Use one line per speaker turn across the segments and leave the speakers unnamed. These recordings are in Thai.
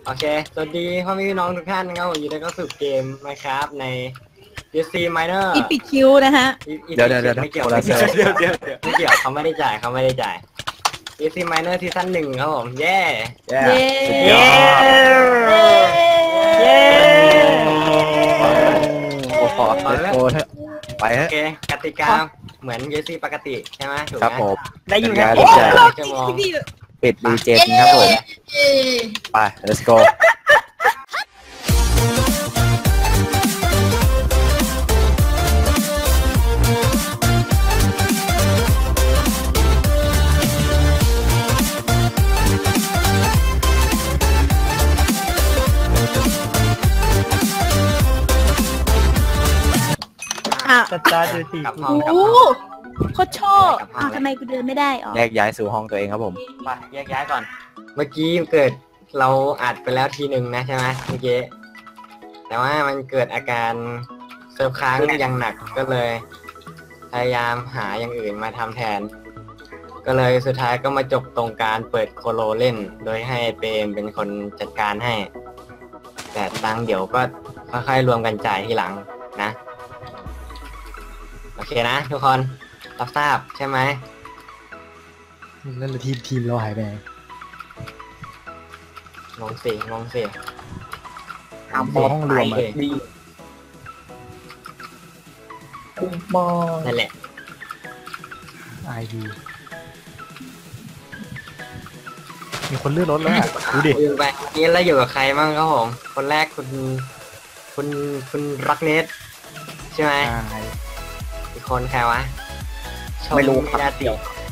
โอเคสวัสดีพ่อแม่พี่น้องทุกท่านนะครับผมยินดีต้อนรับสู่เกม Minecraft ใน DC Miner
อีปิดคิวนะฮะ
เดี๋ยว
ไม่เกี่ยวไม่เกี่ยวเขาไม่ได้จ่ายDC Miner ซีซั่น1ครับผมเย้
เย้
สุดยอด
เย้
โอ้โหโอ้เถอะไป
โอ
ฮะ
เคกติกาเหมือน DC ปกติใช่ไหมถูก
ครับ
ไหม
ผม
ได้อยู่
ครั
นะ
บ
โอ้
ชั่วโมง
พี่
ปิดรีเจนครับผมไป let's go
อ่ะ
สตาร์ทดูสิ
กลับห้อง
โอ้โคตรชอบอ้าวทำไมกูเดินไม่ได้อ๋อ
แยกย้ายสู่ห้องตัวเองครับผม
ไปแยกย้ายก่อนเมื่อกี้เกิดเราอัดไปแล้วทีหนึ่งนะใช่ไหมเมื่อกี้แต่ว่ามันเกิดอาการเซิร์ฟค้างอย่างหนักก็เลยพยายามหาอย่างอื่นมาทำแทน ก็เลยสุดท้ายก็มาจบตรงการเปิดโคโลเล่น โดยให้เปรมเป็นคนจัดการให้ แต่ตังค์เดี๋ยวก็ค่อยๆรวมกันจ่ายทีหลังนะโอเคนะทุกคนรับทราบใช่ไหม
แล้วทีมเราหายไปไหน
งงสิ
ห้องรวม
เลย
ดีคุ้มมาก
นั่นแหละ
ไอดีมีคนเลื่อนรถแล้วอะดูดิ
คุยไปนี่เราอยู่กับใครบ้างครับผมคนแรกคุณรักเนสใช่ไหม
ใช่
อีกคนใครวะชม
ไม่รู้
มินาติ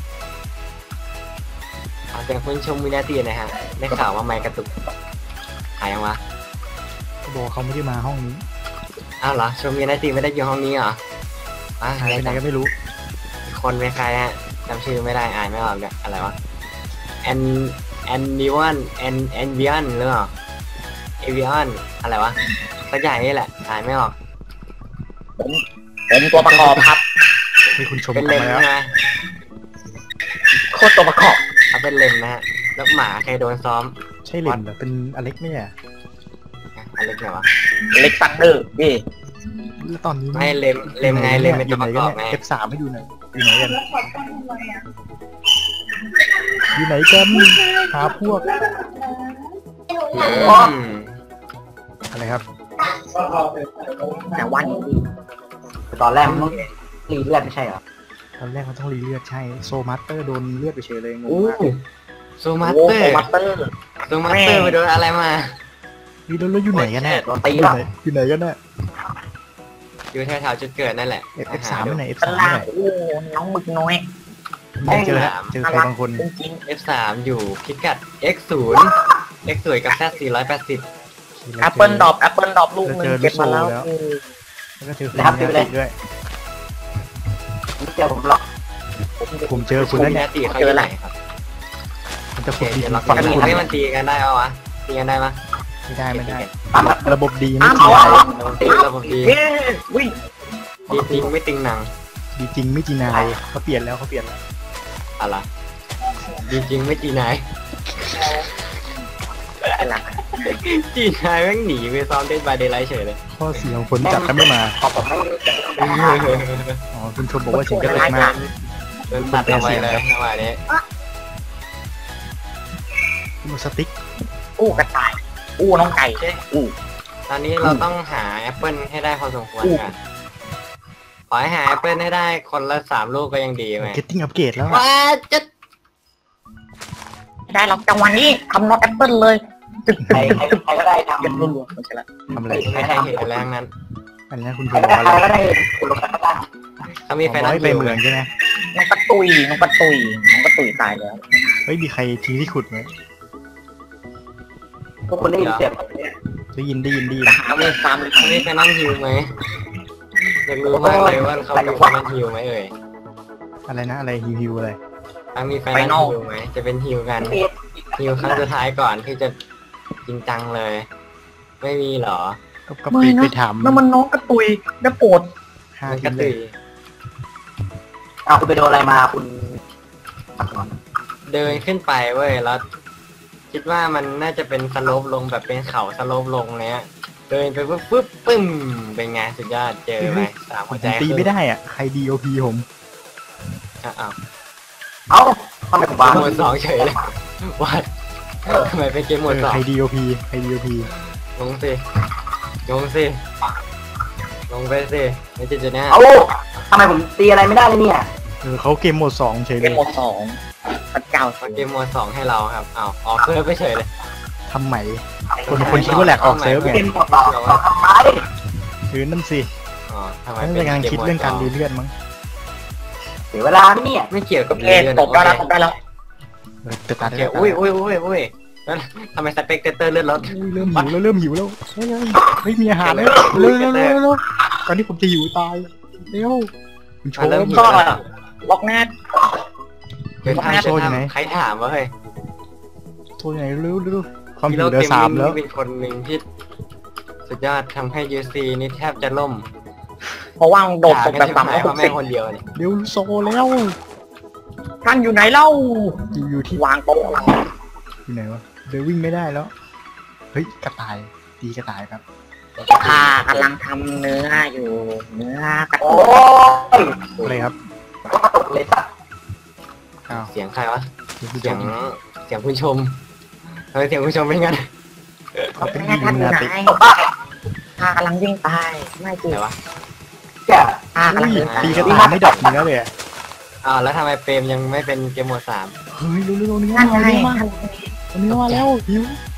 เอาเป็นคุณชมมินาติหนะฮะได้ข่าวว่าไมค์กระตุกหายยังวะ
เขาบอกเขาไม่ได้มาห้องนี้
อ้าวเหรอชมมินาติไม่ได้อยู่ห้องนี้เหรออ่ะ
หายไปไหนก็ไม่รู้
อีกคนเป็นใครฮะจำชื่อไม่ได้อ่านไม่ออกเนี่ยอะไรวะแอนดิวันแอนเวียนหรือเปล่าเอเวียนอะไรวะสักอย่างนี่แหละอ่านไม่ออก
ผมตัวประกอบครับ
มีคุณชม
เป็น
กั
เล
น
ม
มาแล้ว
ใช่ไหม
โคตรตัวประกอบ
เขาเป็นเลมนะฮะแล้วหมาใครโดนซ้อม
ใช่เหรนเหรอเป็นอเล็กไหมอ่ะ
อะไรเนี่ยวะ
เล็กซันเดอร์พี่
แล้วตอนนี้
ไม่เลมไงเลมเป็น
อ
ตั
ยู่
ว
ไห
ป
น
ระก
กัน
อบไง
เนี่ย F3 ให้ดูหน่อยอยู่ไหนกันอยู่ไหนกันหาพวก
อืม
อะไรครับ
แต่วัน
ตอนแรกมันต้องรีเลือดไม่ใช่เหรอ
ตอนแรกมันต้องรีเลือดใช่โซมาสเตอร์โดนเลือดไปเฉยเลยงง
อู้
มาก
โซมาส
โอ้
เตอ
โห
ร์
มัตเตอร์
โซมาสเตอร์ไปโดนอะไรมา
นี่แล้วอยู่ไหนกันแน่
โดนตี
อยู่
แล้ว
ไหนอยู่ไหนกันแน่
อยู่แถวๆจุดเกิดนั่นแหละ
F3 ไปไหน
ข้า
F3
ง
ไป
ล่าง
ไหน
โอ้น้องหมึกน้อย
เจอแล้วเจอใครบางคน
จริง
F3 อยู่พิกัด X0 X0 กับ Z 480
ๆแอปเปิลดรอปลูกหนึงเก็บมาแล้ว
แล้วก็เจอคุณมินาติด้วย
ไม่เจอผมหรอก
ผมเจอคุณ
คุ
แล้ว
ณ
เนี่ย
นาตีเขาอยู่ไหนครับ
มันจะ
โอเค
ขุดดิ
เดี๋ย
น
วเรา
ฝั่ง
กัน
คุณ
ให้มันตีกันได้ปะวะตีกันได้ปะ
ไม่ได้
ปั๊ม
ระบบดีไม่
ปั๊ม
จริง
เอา
ตีระบบดี
เย้วิ่ง
ดีจริงไม่ติงหนัง
ดีจริงไม่จริงนายเขาเปลี่ยนแล้ว
อะไรดีจริงไม่จีนาย
เป็นไร
จีนายแม่งหนีไปซ้อมเต้นบาเดย์ไลท์เฉยเลย
ข้อเสียของคนจัดถ้าไม่มา
ขอผมไม่
อ๋อคุณชมบอกว่าเสียงกระตุกมาก
โดนตัดเอาไว้เลยจังหวะนี้
คุณสติ๊ก
อู้กระต่ายอู้น้องไก่อู้
ตอนนี้เราต้องหาแอปเปิลให้ได้พอสมควรกันขอให้หาแอปเปิลให้ได้คนละ3 ลูกก็ยังดีไหม
เกตติ้งอัปเกรดแล้ว
ว้าจะ
ได้หรอกจังหวะนี้ทำน็อตแอปเปิลเลยตึกก็ได้ทำเป็นรัวๆไม่ใช่ละ
ทำอะไร
ไม่ใช่เห็นแรงนั้น
อันนี้คุณชมบอกอะไร
เขามีไฟ
ร้
นั้
อย
น
ไปเมืองใช่ไหม
น้องกระตุยตายแล้ว
เฮ้ยมีใครทิ้งที่ขุดไหม
พวกคนได้ยินเสียง
ได้ยิน
เอาเลยตามเลย
เขามีไฟนั้นฮิวไหมอยากรู้มากเลยว่าเขามีไฟนั้นฮิวไหมเอ่ย
อะไรนะอะไรฮิวอะไร
ถ้ามีไฟนั้นฮิวไหมจะเป็นฮิวกันฮิวครั้งสุดท้ายก่อนที่จะจริงจังเลย ไม่มีหรอ
ก็ไปถาม
นั่นมันน้องกระตุยได้โปรด
ห้า
มัน
ที
กระ
เล
ตุ
ย
ย
คุณไปโดนอะไรมาคุณ
เดินขึ้นไปเว้ยแล้วคิดว่ามันน่าจะเป็นสโลปลงแบบเป็นเขาสโลปลงเนี้ยเดินไปปุ๊บปุ๊บปึ้มเป็นไงสุดยอดเจอไหมสาม
ผ
หัว
ม
ใจ
ตีไม่ได้อ่ะใคร DOP ผม
อ้าว
เอ้าทำไมผมวาง
หมวดสองเฉยเลยวัดทำไมเป็นเกมหมวดสอง
ใคร DOP ใคร DOP
ลงสิลงสิลงไปสิไม่จะหน้า
เอ้าทำไมผมตีอะไรไม่ได้เลยเนี่ย
เขาเกมโหมด2เฉย
เก
เล
ม
ย
หมดสองพระเจ้า
เอาเกมหมวดสองให้เราครับอ้าวออกเซิร์ฟไปเฉยเลย
ทำใหม่คนคิดว่าแหลกออกเซิร์ฟไง
เกมหมดสองทำไม
คือนั่นสิ
อ๋อทำไม
นั่น
เป็
เป็น นการ
เกม
คิด
หมวด
เรื่อง
ส
กา
อ
รง รีเลื่อนมั้ง
เสียเวลาเนี่ย
ไม่เกี่ยวกับ
โอเค
เรื่อง
ตบได้แล้วตบได้แล้ว
จะตัด
โอเคอุ้ยแล้วทำไมสเปกเตอร์เลื่อนรถ
เริ่มหิวแล้วเฮ้ยมีอาหารแล้วเร็วก่อนที่ผมจะหิวตายเร็วคุณโชว์
เริ่มหิว
ก็
แล้ว
ล็อกแนท
เดี๋ยวทำ
โชว์อยู่ไหน
ใครถามวะเฮ้ย
โชว์ไหนเร็วความหิวเดือสามแล้ว
เป็นคนหนึ่งที่สุดยอดทำให้ UC นี่แทบจะล่ม
เพราะว่างโดดตกแบบต่ำ
ให้
ก็
พ่อ
หก
แม่
สิบ
คนเดียวเนี่ย
เร็วโซแล้ว
ท่านอยู่ไหนเล่า
อยู่ที่
วางโต๊ะ
อยู่ไหนวะเดินวิ่งไม่ได้แล้วเฮ้ยกระต่ายตีกระต่ายครับ
ข้ากำลังทำเนื้ออยู่เนื้อกระโอ้ย
อะไรครับ
ก็ตกเลยสัตว์
อ้าว
เสียงใครวะ
เสียง
เสียงผู้ชมทำไมเสียงผู้ชมเป็นงั้น
เป็น
แม่
อี
ท่าน
ลู
อยู่
นา
ไหน
ติ
ข้ากำลังวิ่งไปไม่จริง
ไหนวะ
ข้ากำลัง
อุ้ย
วิ่งไป
ตีกระต่ายไม่ดับเนื้อเลยอะ
อ้าวแล้วทำไมเปรมยังไม่เป็นเกมโหมด
เฮ้ยเร็วๆเนื้อ
นั่น
มา
ไง
เร็วมาก
ท่าน
เนื้อมาแล้วหิว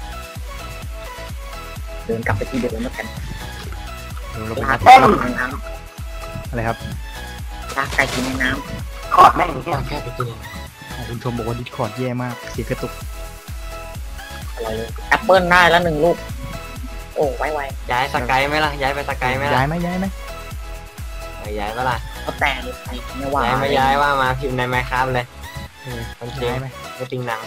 เดินกลับไปที่เดิมแล้วกัน
เดี๋ยวเราไป
ลาเต้นในน้
อะไรครับ
ำลาไก่กินในน้ำขอดแม่ง
3
แค่
ต้องแค่ไปกินเอง
คุณชมบอกว่าดิสคอร์ดแย่มากเสียงกระตุก
อะไรเลยแอปเปิลได้แล้ว1 ลูกโอ้ไว
ย้ายสกายไหมล่ะย้ายไปสกายไหมล่ะ
ย้ายไหม
ย้ายปะล่ะ
ๆก็แต่เลยไปไม่ว่า
ย้ายไม่ย้ายว่ามาพิมพ์ในไมค์ครับเลย คนจริง
ย้ายไหม
ไม่จริงหนัง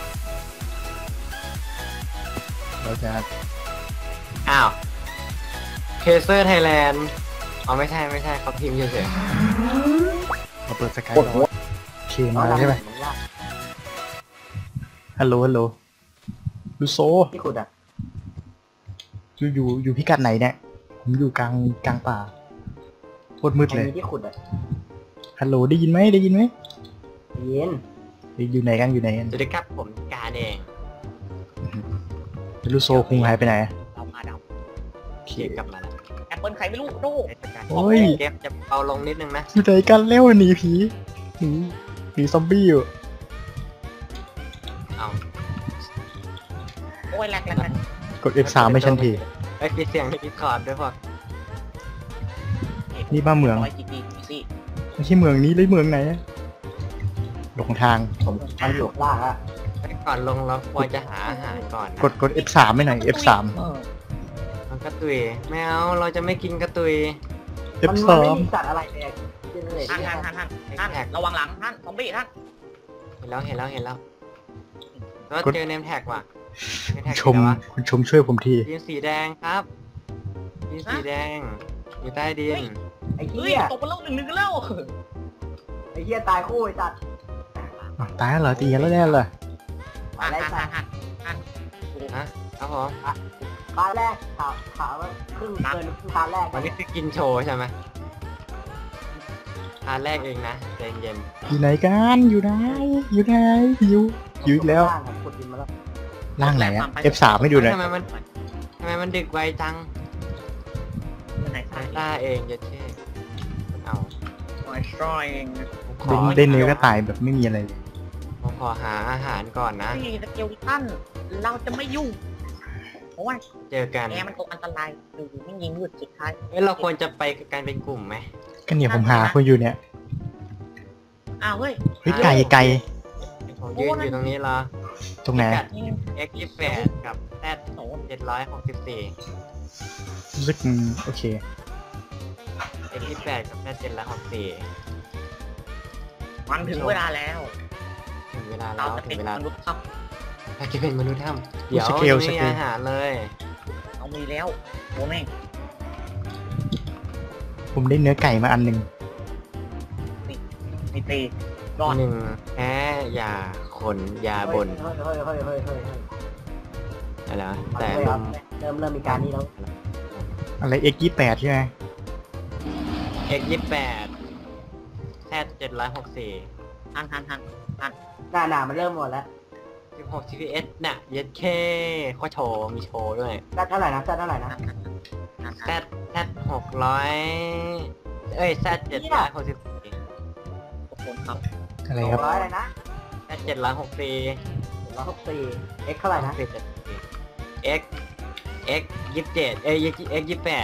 เราจะ
อ้าวเคเซอร์ไทยแลนด์อ๋อไม่ใช่เขาพิมพ์เฉย
เราเปิดสกาย
ปวดหัว
เคมาใช่ไหมฮัลโหลลูโซ
ที่ขุดอ่ะ
อยู่พิกัดไหนเนี่ยผมอยู่กลางป่าโคตรมืดเลย
ที่ขุดอ่ะ
ฮัลโหลได้ยินไหม
เย็น
อยู่ไหนกัน
ๆสวัสดีครับผมกาแดง
ลูโซคงหายไปไหน
เราพาด
เขียนกลับมาแล้ว
ำแอปเปิลใครไม่รู้ดู
โอ้ย
เกมจะเบาลงนิดนึงนะ
อยู่ไหนกันเร็วหนีผีหนีซอมบี้อยู่
เอา
โอ้ยแหลก
กด F3 ไม่ชันที
ไปปิดเสียงในดิสคอร์ดด้วยพวก
นี่บ้านเมือง
สิ
ไม่ใช่เมืองนี้เลยเมืองไหนอะหลงทาง
ผมทำอยู่ล่างอ่ะ
ไปก่อนลงเราควรจะหาอาหารก่อนนะ
กด F3 ไม่หน่อย F3
มันกระตุยไม่เอาเราจะไม่กินกระตุย
F2
สัตว์อะไรเลยท่านระวังหลังท่านซอมบี้ท่าน
เห็นแล้วแล้วเจอเนมแท็กว่ะเนมแท็ก
คุณชมช่วยผมที
ยินสีแดงครับยินสีแดงอยู่ใต้ดิน
ไอ้เหี้ยตกไปแล้ว1-1กันแล้วไอ้เหี้ยตายคู่ไอ้สัตว์
อ้าวตายแล้วเหรอตีกันแล้วแน่เลย
อะไรสัตว์
ครับผม
ตาแรกถามว่าครึ่งเกินตาแรก
วันนี้คือกินโชว์ใช่ไหมทานแรกเองนะใจเย็น
อยู่ไหนกันอยู่ไหนหิวอีกแล้ว
ขุดดินมาแล้ว
ล่างไหนอะ F3 ให้ดูหน่อย
ทำไมมันดึกไวจัง
ไหน
ต้าเองจะเช่เอา
ช่วยเอง
ได้เนื้อกระต่ายแบบไม่มีอะไรเลย
ผมขอหาอาหารก่อนนะ
นี่สเกลตันเราจะไม่ยุ่งเพราะว่า
เจอกัน
แอร์มันตกอันตรายดูไม่ยิงหยุดสุดท้าย
เราควรจะไปกันเป็นกลุ่มไหม
ก็เนี่ยผมหาคนอยู่เนี่ย
อ้าวเฮ้ย
เฮ้ยไก่
ผมยืนอยู่ตรงนี้เหรอ
ตรงไหน
พิกัด X28 กับ Z 764
รู้สึกโอเค
X28 กับ Z 764
มันถึงเวลาแล้ว
ถึงเวลาแล้
เรา
ว
จะ
ถึ
เป็น
งเวลาม
นุษย์ครับ
เราจะเป็นมนุษย์ถ้ำเดี๋ยว
สเกล
ไม่มีอาหารเลย
เอามีแล้วโอ้แม่ง
ผมได้เนื้อไก่มาอันหนึ่ง
ไม่ตีรอด
1แพ้ยาขนยาบน
เฮ้ย
อะไรวะ
แต่
แต่ลม
เริ่มมีการนี้แล้ว
อะไร X28 ใช่ไหม
X28 แซด764
ทันหน้ามันเริ่มหมดแล้ว
16 TPS น่ะเย็ดเคข้อโชว์มีโชว์ด้วย
แซดเท่าไหร่นะ
แซด600เอ้ยแซด764
อะไรครับ
200อะไรนะ
แซด764
164 X เท่าไหร่นะ
X 27เอ้ย X 28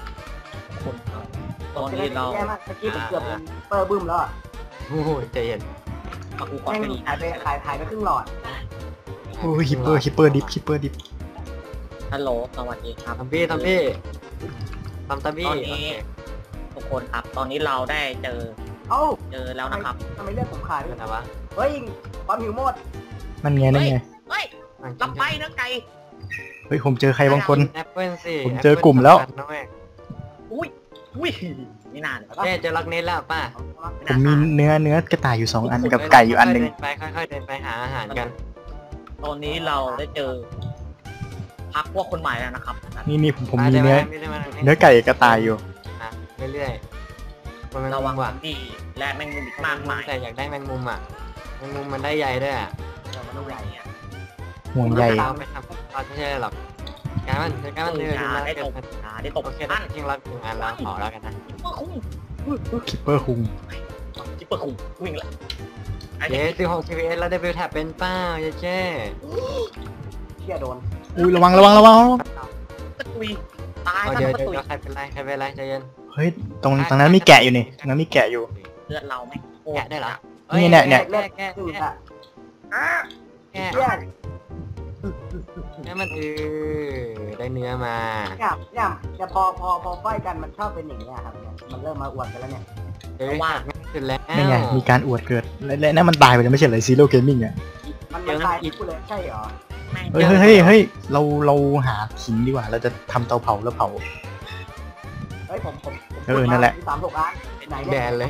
ตอนนี้เรา
แย่มากเมื่อกี้ผมเกือบเป็นเปอร์บึ้มแล้วอ่ะ
โอ้ยใจเย็น
ปักกูก่อน
แม่ง
ไปดี
ขายไปครึ่งหลอด
โอ้ยฮิปเปอร์ดิฟ
ฮัลโหลสวัสดีครับ
ทำบี้
ตอน
โอ
นี้
เค
ทุกคนครับ ตอนนี้เราได้เจอ
เอ้า
แล้วนะครับ
ทำไมเลือดผมขาด
เป็น
ด้วย
อะไรวะ
เฮ้ยความหิวหมด
นั่นไง
เฮ้ยรับไปนะไก่
เฮ้ยผมเจอใครบางคน
แอปเปิลสิ
ผมเจอกลุ่มแล้ว
อุ้ยไม่นานเลย
เจ๊เจอล็อกเน็ตแล้วป่ะ
ผมมีเนื้อกระต่ายอยู่2 อันกับไก่อยู่อันหนึ่ง
ค่อยๆเดินไปหาอาหารกัน
ตอนนี้เราได้เจอพักพวกคนใหม่แล้วนะครับ
นี่ผมมีเนื้อไก่กระต่ายอยู่
เรื่อยๆมันแมง
ระ
มุ
วัง
มว่ะ
ดีและแมงมุมอีกมากมาย
แต่อยากได้แมงมุมอ่ะแมงมุมมันได้ใยด้วยอ่ะ
มันต้องใหญ่
เนี่ย
ห่วงใย
เราไปทำเราไม่ใช่หรอกการมันเดิน
ได้ตบได้ตบ
โอเคได้จริงเราถึงงานเราขอแล้วกันนะ
จิปเปอร์คุ้ง
คิปเปอร์คุง
จิปเปอร์คุ้งวิ่งเลย
เย้16 TPS แล้วได้บิลแท็บเป็นเป้าเย้เจ้
เชี่ยโดน
อุ้ยระวัง
ตะกุยตาย
เดี๋ยว
ตะกุย
ใครเป็นไรใจเย็น
เฮ้ยตรงนั้นมีแกะอยู่นี่ตรงนั้นมีแกะอยู่
เลือดเราไหม
แกะได้เหรอ
เนี่ย
เลือด
แกะ
อืดอ่ะ
แกะ
เชี่ย
นี่มันได้เนื้อมา
เนี่ยพอไฟกันมันชอบเป็นอย่างเงี้ยครับเนี่ยมันเริ่มมาอวดกันแล้วเนี่ย
เดี๋ยวว่าสุดแล้ว
นี่ไงมีการอวดเกิดและนั่นมันตายไปแล้วไม่ใช่เหรอซีโร่เกมมิ่งอ่ะ
มันตายกูเลยใช่เหรอ
เฮ้ยเราหาหินดีกว่าเราจะทำเตาเผาแล้วเผา
เฮ้ยผม
นั่นแหละ
36 ล้านไหน
แบ
เนี่ย
นเลย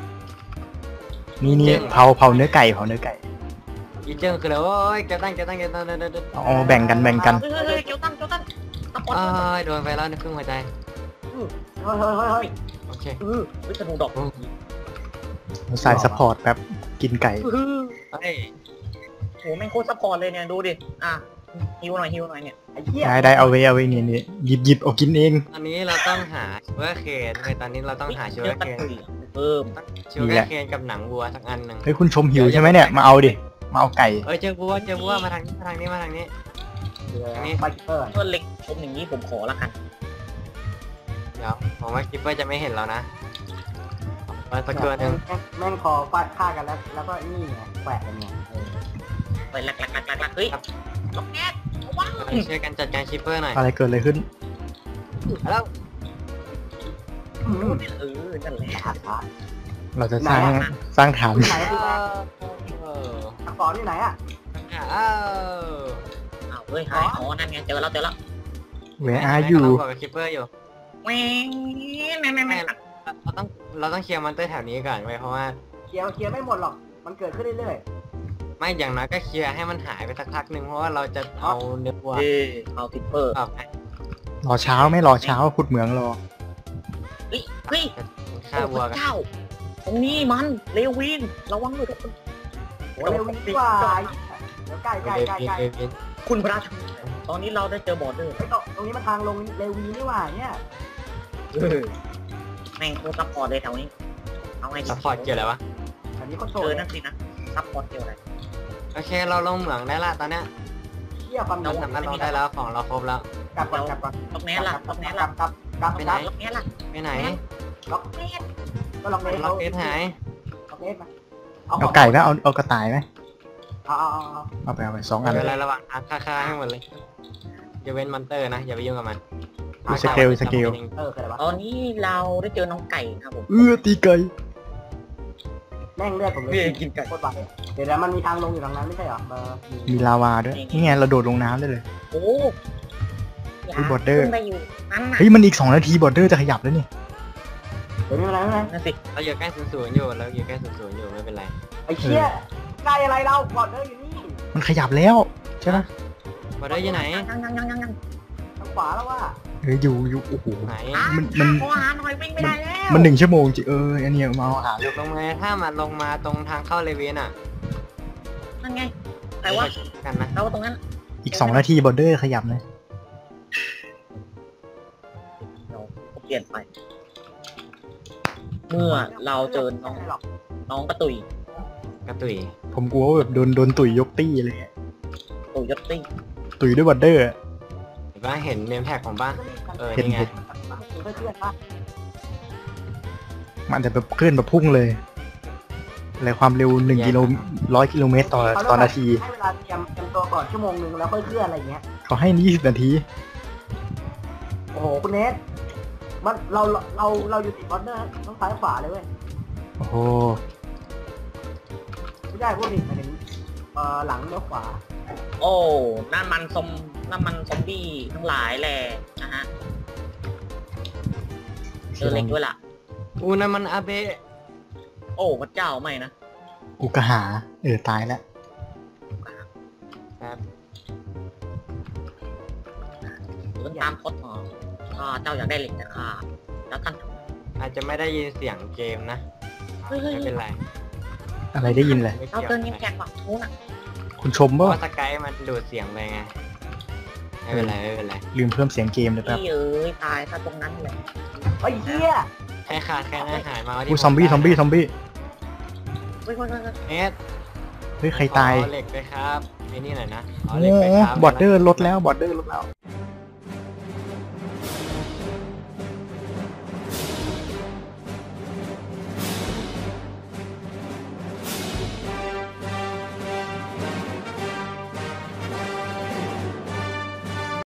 นี่เผาเนื้อไก่
อีเจิ้งคือแล้วโอ้ยเก็บตั้ง
อ๋อแบ่งกัน
เฮ้ยเกียวตั้งตะกอน
โดนไปแล้วในครึ่งหัวใจ
เฮ้ย
โอเค
วิศนุดอก
ใส่ซัพพอร์ตแบบกินไก่
เฮ้ย
โหแม่งโคตรซัพพอร์ตเลยเนี่ยดูดิฮิวหน่อยเนี่ย
ไอ้เหี้ย
ได้เอาไว้นี่หยิบเอากินเอง
ตอนนี้เราต้องหาชูการ์เคนตอนนี้เราต้องหาชูการ์เคน
เพิ่ม
ชูการ์เคนกับหนังวัวสักอันหนึ่ง
เฮ้ยคุณชมหิวใช่ไหมเนี่ยมาเอาดิมาเอาไก่
เจอวัวมาทางนี้
ไบเกอร์
เพื่อนเล็กผมอย่างนี้ผมขอละกัน
เดี๋ยวผมว่าคิปเปอร์จะไม่เห็นเรานะสักตัวหนึ่ง
แม่งคอฟาดฆ่ากันแล้วก็นี่ไงแขวะกันไง
ไปหลักเฮ้ยล็อกแก๊สว้าว
ช่วยกันจัดการคิปเปอร์หน่อย
อะไรเกิดอะไรขึ้น
แล้ว
นั่นแหละ
เราจะสร้างฐาน
ไหนคืออักษรที่ไหนอ่ะ
เฮ้ยหายนั่นไงเจอแล้ว
Where are you
กับคิปเปอร์อยู่
แม่ง
เราต้องเคลียร์มอนเตอร์แถวนี้ก่อนไว้เพราะว่า
เคลียร์ไม่หมดหรอกมันเกิดขึ้นเรื่อย
ไม่อย่างน้อยก็เคลียร์ให้มันหายไปสักพักหนึ่งเพราะว่าเราจะเอาเนื้อวัว
เอาทิปเปอร์
ออกไป
รอเช้าไม่รอเช้าขุดเหมืองรอ
เฮ้ย
ฆ่าวัวกัน
เจ้าตรงนี้มันเลวินระวังด้วยทุกคน
ๆเร็วดีกว่าเดี๋ยวใกล้
คุณพระชตอนนี้เราได้เจอบอร์เดอร์
ไอ้ตรงนี้มันทางลงเรวีนี่หว่าเนี่ย
แม่งโคตรซัพพอร์ตเลยแถวนี้เอาไง
ซัพพอร์ตเกี่ยวอะไรวะ
อันนี้ก็โต
เจอนั่นสินะซัพพอร์ตเกี่ยวอะไร
โอเคเราลงเหมืองได้ละตอนเนี้ย
เชี่ยความ
เราสามารถลงได้แล้วของเราครบแล้ว
กลับก่อน
ล็อกแนล่ะ
กลับไปไหน
ล็อกแนล่ะ
ไปไหน
ล็อกเนสก็ล็อกเนส
ล็อกเกตหาย
ล็อกเนสมา
เอาไก่ไหมเอากระต่ายไหม
เอา
เอาไป2 อัน
เวลาระหว่างทางฆ่าให้หมดเลยอย่าเว้นมอนเตอร์นะอย่าไปยุ่งกับมัน
สเกล
เคยอะไรวะ
ตอนนี้เราได้เจอน้องไก่ครับผม
ตีไก่
แม่งเลือดผมเลยโคตรบาดเดี๋ยวมันมีทางลงอยู่ตรงนั้นไม่ใช่เหรอ
มีลาวาด้วยนี่ไงเราโดดลงน้ำได้เลย
โอ้
บอร์เดอร์
ได้อยู่นั่นน่ะ
เฮ้ยมันอีก2 นาทีบอร์เดอร์จะขยับแล้วนี่
เดี๋ยวไม่เป็นไร
นั่นสิ
เราอยู่ใกล้00อยู่เราอยู่ใกล้00อยู่ไม่เป็นไร
ไอ้เชี่ยใกล้อะไรเราบอดเดอร์อยู่นี่
มันขยับแล้วใช่ไหม
มบอดเดอร์อยู่ไหน
ยัง
ทางขวาแล้วว่า
อยู่โอ้โห
ไหน
มัน
ขอหาหน่อยวิ่งไม่ได้แล้ว
มัน1 ชั่วโมงจริงอันเนี้ยมาเอาอาหาร
ลงมาถ้ามันลงมาตรงทางเข้าเลเวนอ่ะ
นั่นไงแต่ว่า
กันนะ
เราตรงนั้น
อีก2 นาทีบอร์เดอร์ขยับเลย
เราเปลี่ยนไป เมื่อเราเจอน้องกระตุย
กระตุย
ผมกลัวว่าแบบโดนตุ๋ยยกตี้เลยอะ
ตุยยศติ้ง
ตุ๋ยด้วยบอร์เดอร์อะ
เห็นปะเห็นเนมแท็กของบ้าน
เห็น
นี่ไง
เพื่อนๆปะ
มันจะแบบเคลื่อนแบบพุ่งเลยอะไรความเร็ว1 กิโล 100 กิโลเมตรต่อนาที
ให้เวลาเตรียมตัวก่อนชั่วโมงนึงแล้วค่อยเคลื่อนอะไรเงี้ย
เขาให้20 นาที
โอ้โหคุณเนทมันเราอยู่ติดบอร์เดอร์ต้องซ้ายขวาเลยเว้ย
โอ้โห
ไม่ได้พูดผิดหมายถึงหลังเลี้ยวขวา
โอ้นั่นมันซอมบี้ทั้งหลายแหละนะฮะเจอเล็กด้วยล่ะ
อูนั่นมันอาเบะ
โอ้พระเจ้าไม่นะ
อุกหาตายแล้ว
ครับ
เดินตามพดหมอเจ้าอยากได้เหล็กนะคะแล้วท่าน
อาจจะไม่ได้ยินเสียงเกมนะ
เฮ้ย
ไม่เป็นไร
อะไรได้ยินเลย
ไม่
เรา
เกี่ยว
เติมเงินแขกฝั่งนู้นอ่ะ
คุณชม
เพ
ป่ะ
ราะว่าสกายมันดูดเสียงไปไงไม่เป็นไรไม่เป็นไร
ลืมเพิ่มเสียงเกมเลยแป๊บ
พี่เอ้ยตายถ้าตรงนั้นเลย
ไอ้เหี้ย
แค่ขาดแค่อาหารมาว่า
อู้ซอมบี้
เฮ้ย
เอส
เฮ้ยใครตาย
ขอเหล็กไปครับไอ้นี่หน่อยนะขอ
โอ้
เหล็กไปครับ
บอร์เดอร์ลดแล้ว